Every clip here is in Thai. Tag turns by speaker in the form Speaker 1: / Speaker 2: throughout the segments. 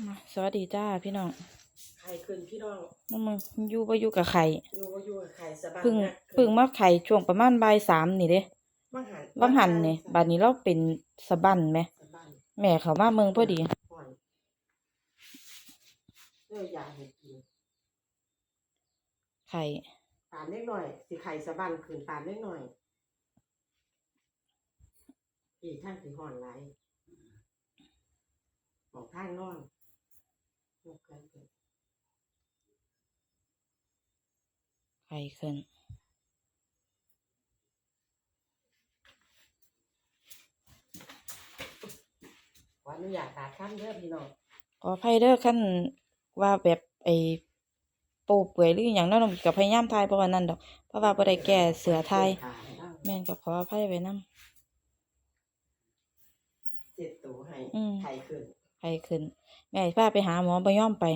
Speaker 1: สวัสดีจ้าพี่น้อง
Speaker 2: ไข่ขึ้นพี่น้อง
Speaker 1: มึงอยู่บ่อยู่กับไข่
Speaker 2: อยู่กับไข่สบาย
Speaker 1: พึ่งมาไข่ช่วงประมาณบ่ายสามนี่เด้วังหันนี่บัดนี้เราเป็นสะบั้นไหมแม่เขามาเมืองพอดี
Speaker 2: อยากให้กิน
Speaker 1: ไข่
Speaker 2: ตามเล็กหน่อยสิไข่สะบั้นขึ้นตามเล็กหน่อยอีกท่านสิห่อนไหลบอกท่านนอน
Speaker 1: ไข่ขึ้น
Speaker 2: วันนี้อยากขาดข้ามเด้อพี่น้อง
Speaker 1: ขออภัยเด้อขั้นว่าแบบไอ้โป๊เปื่อยหรืออย่างนั้นกับพยายามทายเพราะว่านั่นดอกเพราะว่าบ่ได้แก้เสือทายแม่นก็ขออภัยไว้นำ
Speaker 2: เจ็ดตัวให้ไข่
Speaker 1: ขึ้นแม่พาไปหาหมอบ่ยอมไป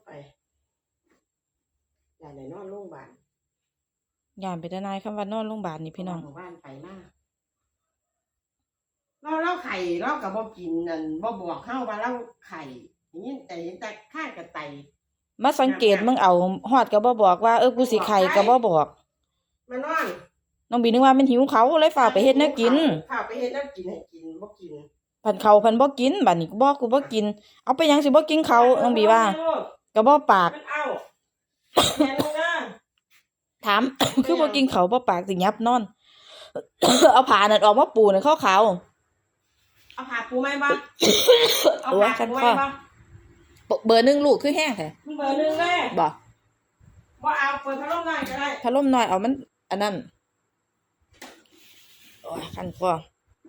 Speaker 2: อย่าได้นอนโรงพยาบาล
Speaker 1: ย่านไปทนายคำว่านอนโรงพยาบาลนี่พี่น้อง
Speaker 2: บ้านไปมากเราไข่เรากับบ่กินนั่นบ่บอกเข้าว่าเราไข่อย่างนี้แต่ข้างกับไต
Speaker 1: มาสังเกตมึงเอาฮอดก็บ่บอกว่ากูสิไข่ก็บ่บอก
Speaker 2: มานอน
Speaker 1: น้องบีนึกว่ามันหิวเขาเลยฝากไปเฮ็ดแนวกิน
Speaker 2: ฝากไปเฮ็ดแนวกินให้กินบ่กิน
Speaker 1: พันเขาพันบ่กินบัดนี้กูบ่กินเอาไปหยังสิบ่กินเขาน้องบีว่าก็บ่ปากถาม คือบ่กินเขาบ่ปากสิยับนอน เอาผ้านั่นออกมาปูนั่นขาว
Speaker 2: เอาผ้าปูไหมบ่เอาผ้าปูไหมบ่
Speaker 1: เบอร์1ลูกคือแห้งแท้
Speaker 2: เบอร์1แม่
Speaker 1: บ่
Speaker 2: เอาเปิดพัดลมหน่อยก็ได้
Speaker 1: พัดลมน้อยเอามันอันนั้นโอ้ยคันคอ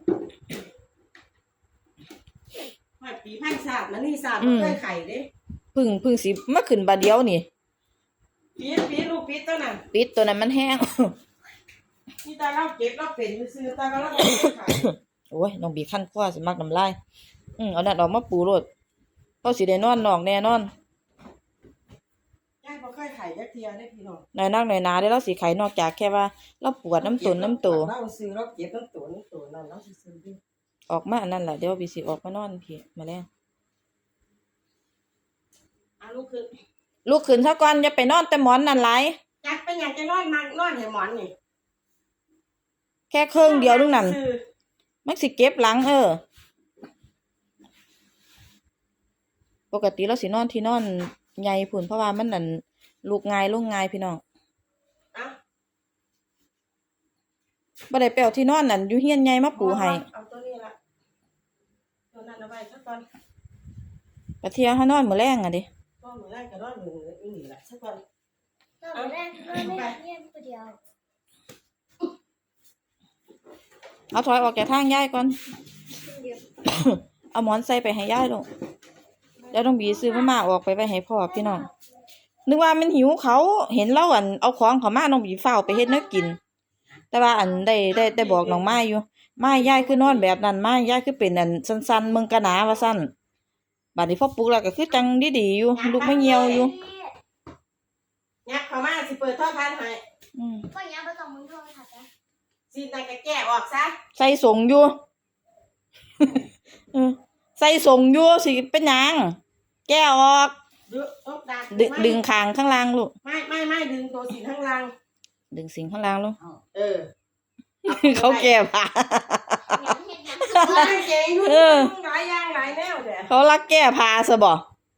Speaker 2: ไม่ปีพันศาสตร์มันนี่ศาสตร์บ่เคยไข่เด้
Speaker 1: พึ่งสิมาขึ้นบาดเดียวนี่
Speaker 2: ปีลูกปีตัวนั้น
Speaker 1: ปิดตัวนั้นมันแห้ง
Speaker 2: นี่ตาเราเก็บเราเป็นซื้อตาเราไข่
Speaker 1: โอ้ยน้องบีคันคอสิมักน้ำลายเอานั่นออกมาปูโลดเขาสิได้นอนนอกแน่นอน
Speaker 2: ยายบ่เคยไข่จักเที่ยได้พี่น้อง
Speaker 1: หน่อยนักหน่อยหนาได้แล้วสิไข่นอกจากแค่ว่าเราปวดน้ำตุ่น
Speaker 2: เราซื้อเราเก็บน้ำตุ่นนั่นเราซื้อดิ
Speaker 1: ออกมาอันนั้นแหละเดี๋ยวบีสิออกมานอนพี่มาแล้วลูกขึ้นซะก่อนอย่าไปนอนแต่หมอนนั่นหลาย
Speaker 2: อยากจะนอนมานอนให้หมอนนี่
Speaker 1: แค่เครื่องเดียวนึงนั่นมันสิเก็บหลังปกติเราสินอนที่นอนใหญ่พุ่นเพราะว่ามันนั่นลูกง่ายลงง่ายพี่น้องบ่ได้ไปเอาที่นอนนั่นอยู่เฮียนใหญ่มาปูให้
Speaker 2: เอาตัวนี้ละตัวนั้นเอาไว้ซะก่อน
Speaker 1: ปะเที่ยเฮานอนมื้อแลงดิ
Speaker 2: มื้อแรกก็นอนมื้อนี้ล่ะซะก่อน
Speaker 3: มื้อแรกนอนไม่เรียนผู้เดียว
Speaker 1: เอาถอยออกจากทางยายก่อนเอาหมอนใส่ไปให้ยายลูกแล้วต้องบีซื้อมาออกไปให้พ่อพี่น้องนึกว่ามันหิวเขาเห็นเราเอาของเขามาน้องบีเฝ้าไปเฮ็ดแนวกินแต่ว่าได้บอกน้องไม้อยู่ไม้ยายคือนอนแบบนั้นไม้ยายคือเป็นสั้นๆมึงกะหนาว่าสั้นบัดนี้พอปลุกแล้วก็คือจังดีๆอยู่ลูกไม่เหี่ยวอยู่
Speaker 2: ยักเข้ามาสิเปิดโทรทัศน์ให้
Speaker 3: ก็ยักบ่ต้องมึงโทรทัศน์นะ
Speaker 2: สินายก็แก้ออกซะ
Speaker 1: ใส่ส่งอยู่ใส่ส่งอยู่สิเป็นหยังแก้ออกดึงคางข้างล่างลูก
Speaker 2: ไม่ดึงตัวสินข้างล่าง
Speaker 1: ดึงสิ่งข้างล่างลูก
Speaker 2: เขา
Speaker 1: แก้ผ้าเขารักแก้ผ้าซะบ่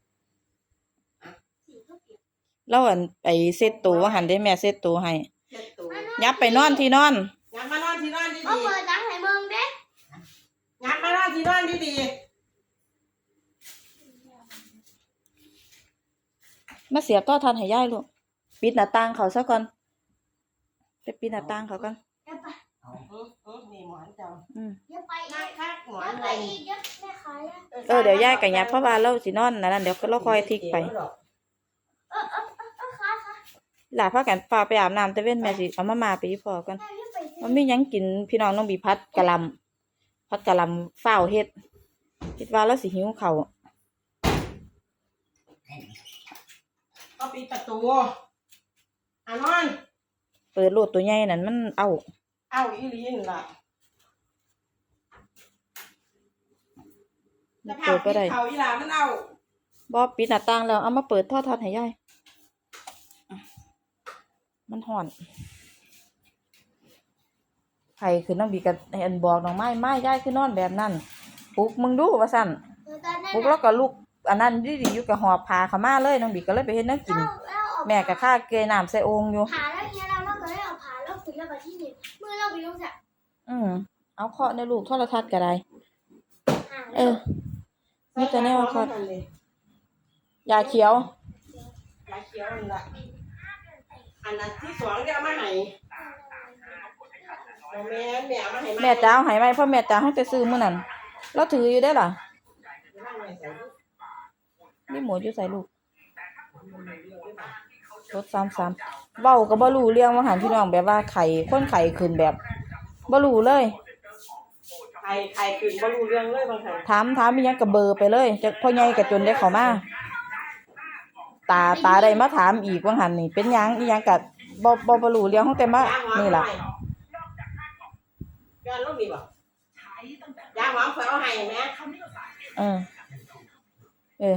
Speaker 1: แล้วไปเซ็ตตัวหันได้แม่เซ็ตตัวให้ยับไปนอนที่นอน
Speaker 2: ยับมานอนที่นอนดีๆ
Speaker 3: เปิดดังให้มึงเด้
Speaker 2: ยับมานอนที่นอนดี
Speaker 1: ๆมาเสียบต่อทันให้ยายลูกปิดหน้าต่างเขาซะก่อนไปปิดหน้าต่างเขาก่อน
Speaker 2: นี่หมอนเจ้า
Speaker 3: อย่าไป
Speaker 2: หมอน
Speaker 3: อะไรเดี๋ยวแม่ขาย
Speaker 1: เดี๋ยวยายกับยับเพราะว่าเราสินอนนั่นเดี๋ยวเราคอยทิกไปหลาพากันฟ้าไปอาบน้ำแต่เว้นแม่สิเอามาไปอีพอกันมันมีหยังกินพี่น้องน้องบีพัดกะหล่ำฝ้าวเฮ็ดคิดว่าแล้วสิหิวเขา
Speaker 2: ก็ปิดประตูนอน
Speaker 1: เปิดโลดตัวใหญ่นั่นมันเอา
Speaker 2: อีหลีนี่ล่ะ
Speaker 1: เปิดบ่ได้
Speaker 2: เขาอีหลามันเอา
Speaker 1: บ่ปิดหน้าต่างแล้วเอามาเปิดโทรทัศน์ให้ยายมันฮ้อนไผคือน้องบีก็ให้อันบอกน้องไม้ยายคือนอนแบบนั้นปลุกมึงดูว่าซั่น
Speaker 3: ตอนนั้น
Speaker 1: ปลุกแล้วก็ลุกอันนั้นดีๆอยู่ก็หอบผ้าเข้ามาเลยน้องบีก็เลยไปเฮ็ดแนวกิน แม่ก็ค่าเกยน้ำใส่โอ่งอยู่
Speaker 3: ผ่าแล้วเงี้ยเราก็ได้เอาผ่าแล้วคุยแล้วแบบที่นี่มือเราไปลงจาก
Speaker 1: เอาเคาะในลูกโทรทัศน์ก็ได้
Speaker 3: ห่าง
Speaker 1: เออมีแต่แนวเคาะยาเขียวย
Speaker 2: าเขียวนั่นล่ะอันนั้นที่สองเดี๋ยวเอามาให้บ่แม่นแม่เอามาให้
Speaker 1: แม่จ๋าเอาให้ไว้เพราะแม่จ๋าเฮาแต่ซื้อมื้อนั้นเราถืออยู่ได้อล่ะนี่หมูอยู่ใส่ลูกรถ33เว้าก็บ่รู้เรื่องว่าหันพี่น้องแบบว่าไข้คนไข้ขึ้นแบบบ่รู้เลย
Speaker 2: ใครขึ้นบ่รู้เรื่องเลยบางครั้ง
Speaker 1: ถามอีหยังก็เบอร์ไปเลยจักพ่อใหญ่ก็จนได้เข้ามาตาได้มาถามอีกว่าหันนี่เป็นหยังอีหยังก็บ่รู้เรื่องของแต่มานี่ล่ะ
Speaker 2: ย้อนลงนี่บ่ยาหอมเคยเอาให้แม่
Speaker 1: เออ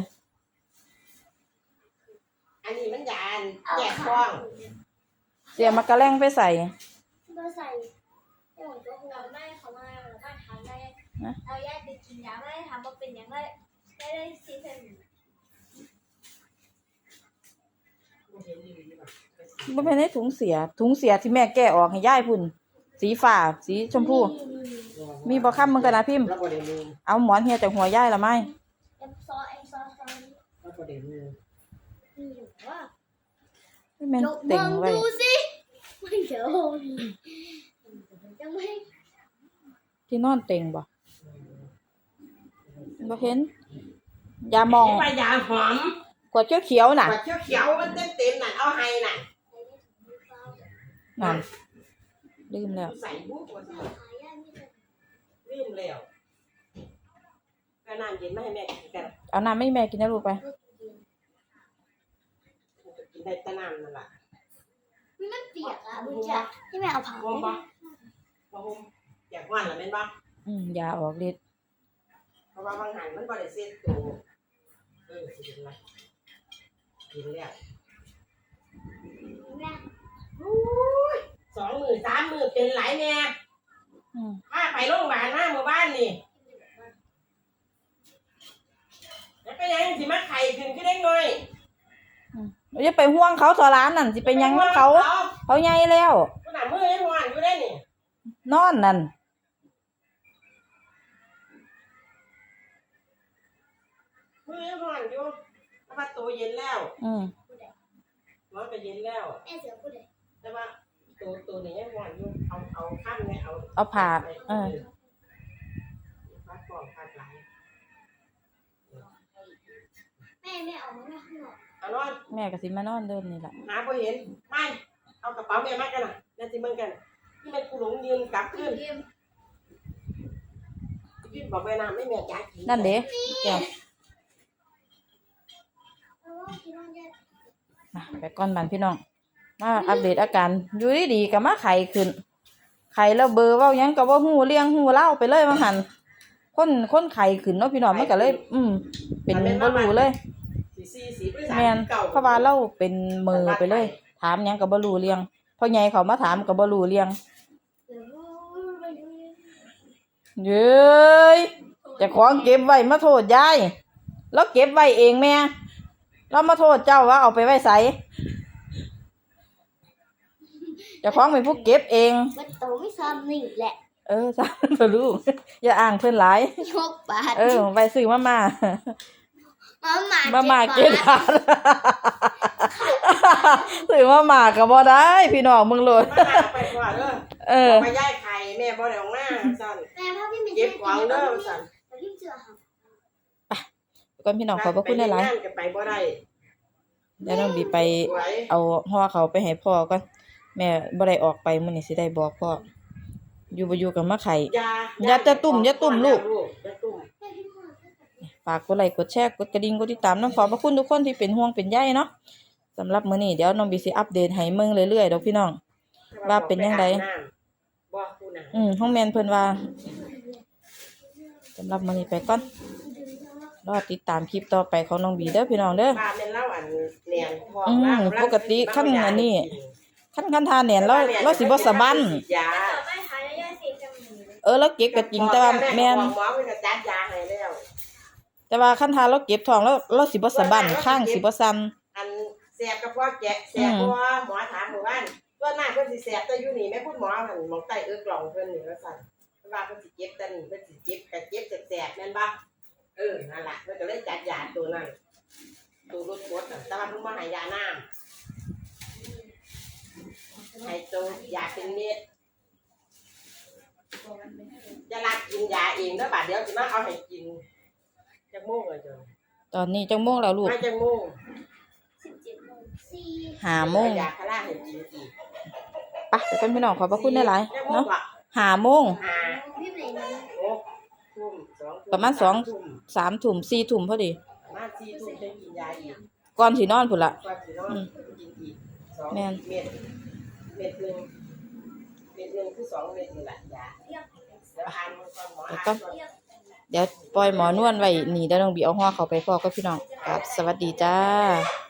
Speaker 2: อันนี้มันยาแจกท้อง
Speaker 1: เสียมากระแลงไปใส่
Speaker 3: เบอร์ใส่โอ้ยตัวหัวไม่เขามาแล้วก็ทานได้เอาแยกไปกินยาไม่ได้ทำว่าเป็นยังไงได้ซีเซน
Speaker 1: บ่แม่นในถุงเสียที่แม่แกะออกให้ยายพุ่นสีฟ้าสีชมพูมีบ่ค้ำมึงกันนะพิมพ์
Speaker 2: แล้วบ่ได้มือ
Speaker 1: เอาหมอนเฮียจากหัวยายละไหม
Speaker 3: เอ็มซอนี่
Speaker 2: แล้วบ่ได้มือ
Speaker 3: มีอยู่ว่า
Speaker 1: แม่นเต็งไว้
Speaker 3: ดูสิไม่เดี๋ยวจะไม่
Speaker 1: ที่นอนเต็งบ่เห็นยามอง
Speaker 2: ไปยาหอม
Speaker 1: กวดเขียวๆน่ะ
Speaker 2: กว่าเขียวๆมันเต็มๆน่ะเอาให้น่ะ
Speaker 1: นั่นลืมแล้ว
Speaker 2: ใส่บุกว่าสิ
Speaker 3: ขายยาไม่ได้
Speaker 2: ลืมแล้วก็น้ำเย็นมาให้แม่กินกัน
Speaker 1: เอาน้ำให้แม่กินนะลูกไป
Speaker 2: กินได้แต่น้ำนั่นล่ะ
Speaker 3: มันเปียกอ่ะมึงจะให้แม่เอาผ่า
Speaker 2: บ่บ่บ่ห่มอยากว่านล่ะแม่นบ่
Speaker 1: ยาออกฤทธิ์
Speaker 2: เพราะว่าบางหันมันบ่ได้เซ็ตตัวสิกินละกินแล้ว
Speaker 3: แม่
Speaker 2: อุ้ย2 มื้อ3 มื้อเป็นหลายแม่พาไปโรงพยาบาลมาเมื่อวานนี่แล้วเป็นยังสิมาไข้ขึ้นคือได้น้อย
Speaker 1: อย่าไปห่วงเขาทอร้านนั่นสิไปหยังนำเขาใหญ่แล้ว
Speaker 2: ขนาดมือยังหวานอยู่ได้นี่
Speaker 1: นอนนั่น
Speaker 2: มือยังหวานอยู่แต่ว่าตัวเย็นแล้วร้อนก็เย็นแล้ว
Speaker 3: แม่เสือพูดเลย
Speaker 2: แต่ว่าตัวนี้ยังหวานอยู่เอาขั้นเนี่ยเอา
Speaker 1: เอาผ่า
Speaker 2: พัดปอกพัดไหล
Speaker 3: แม่ออกมาข้างนอก
Speaker 2: เอานอน
Speaker 1: แม่ก็สิมานอนเดิมนี่แหละ
Speaker 2: หาพอเห็นไม่เอากระเป๋าแม่มากันนะนั่นสิมึงกันที่มันกูหลงยืนกลับขึ้นยืนบอกไปน้ำไม่แม่จ่าย
Speaker 1: นั่นเด้แก้วมาไปก่อนบ้านพี่น้องมาอัปเดตอาการอยู่ดีๆก็มาไข้ขึ้นไข้แล้วเบอร์เว้าหยังก็บ่ฮู้เลี้ยงฮู้เล่าไปเลยว่าหั่นคนไข้ขึ้นเนาะพี่น้องมันก็เลยเป็นบ่รู้เลยแม่นเพราะว่าเราเป็นมือไปเลย ถามหยังก็บ่รู้เรื่องพ่อใหญ่เขามาถามก็บ่รู้เรื่องเย้ยเจ้าของเก็บไว้มาโทษยายแล้วเก็บไว้เองแม่เรามาโทษเจ้าว่าเอาไปไว้ไสเจ้าของเป็นผู้เก็บเอง
Speaker 3: มันโตไม่ซ้ำนี่แหละ
Speaker 1: สาธุลูกอย่าอ้างเพิ่นหลาย
Speaker 3: ยกบาท
Speaker 1: ไปซื้อมา
Speaker 3: มา
Speaker 1: เก็บทาน ซื้อมาก็บ่ได้พี่น้องมึงโลด
Speaker 2: มาไปกว่าเด้อไปย้ายไข่แม่บ่ได้ออกมาสั่น
Speaker 3: แม่พ่อพี่มี
Speaker 2: เก็บของเด้อสั่น
Speaker 3: แต่พี่เสือค่ะ
Speaker 1: ก่อนพี่น้องขอบพระคุณหลาย
Speaker 2: ๆไปบ่ได้
Speaker 1: ๆแล้วน้องบีไปเอาห่อเขาไปให้พ่อก่อนแม่บ่ได้ออกไปมื้อนี้สิได้บอกพ่ออยู่บ่อยู่กับมาไข่ อย่าตุ่มลูก
Speaker 2: อย่าตุ่ม
Speaker 1: ฝากกดไลค์กดแชร์กดกระดิ่งกดติดตามน้องขอบพระคุณทุกคนที่เป็นห่วงเป็นใยเนาะสำหรับมื้อนี้เดี๋ยวน้องบีสิอัปเดตให้เบิ่งเรื่อยๆดอกพี่น้องว่าเป็นจังได๋ห้องแม่นเพิ่นว่าสำหรับมื้อนี้ไปก่อนรอติดตามคลิปต่อไปของน้องบีเด้อพี่น้องเด้อ
Speaker 2: บ้านเป็นเล่าอันแหนมทอง
Speaker 1: ปกติขั้นอันนี้ขั้นทานแหนนเราสิบ่สะบั้น
Speaker 2: ยา
Speaker 3: ต่อไปทานแล้วย่าสีจมูก
Speaker 1: เราเก็บก็จริงแต่ว่าแม่น
Speaker 2: หมอเพิ่นก็จัดยาให้แล้ว
Speaker 1: แต่ว่าขั้นทานเราเก็บท้องแล้วเราสิบ่สะบั้นข้างสิบ่สั่น
Speaker 2: อันแสบกับพ่อแกะแสบพ่อหมอถามหมู่บ้านว่าหน้าเพิ่นสิแสบแต่อยู่นี่แม่คุณหมอหั่นหมองใต้กล่องเพิ่นนี่ว่าซั่นว่าเพิ่นสิเก็บแต่นี่เพิ่นสิเก็บก็เก็บแสบแม่นบ่นั่นล่ะเพิ่นก็เลยจัดยาตัวนั้นตัวรถกดน่ะแต่ว่าเพิ่นบ่ให้ยาน้ำให้ตัวยาเป็นเม็ดจะรักกินยาเองเด้อบัดเดี๋ยวสิมาเอาให้กินจักโมงอ่ะจ้ะ
Speaker 1: ตอนนี้จังโมงแล้วลูก
Speaker 2: มาจักโมง
Speaker 3: 17:04
Speaker 1: 5โมง
Speaker 2: ยาคาราให้กินอีก
Speaker 1: ไปเดี๋ยวกันพี่น้องขอบพระคุณหลายๆเนาะ5โมง
Speaker 3: พี่ไหนนั้น
Speaker 2: ทุ่ม2
Speaker 1: ประมาณ2 3ทุ่ม4ทุ่มพอดี
Speaker 2: ประมาณ4 ทุ่มจะกินยาอีก
Speaker 1: ก่อนสินอนพุ่นล่ะ
Speaker 2: ก่อนสินอนกินอีก2
Speaker 1: แม่น
Speaker 2: เม็ดเม็ดหนึงคือ2เม็ดนี่แหละยา
Speaker 3: เรียก
Speaker 2: แล้วอ่านก่อนหมออ่าน
Speaker 1: ก็
Speaker 2: ก่อน
Speaker 3: เรียก
Speaker 1: เดี๋ยวปล่อยหมอนวลไว้นี่เดี๋ยวน้องบีเอาหัวเขาไปพ่อกับพี่น้องครับสวัสดีจ้า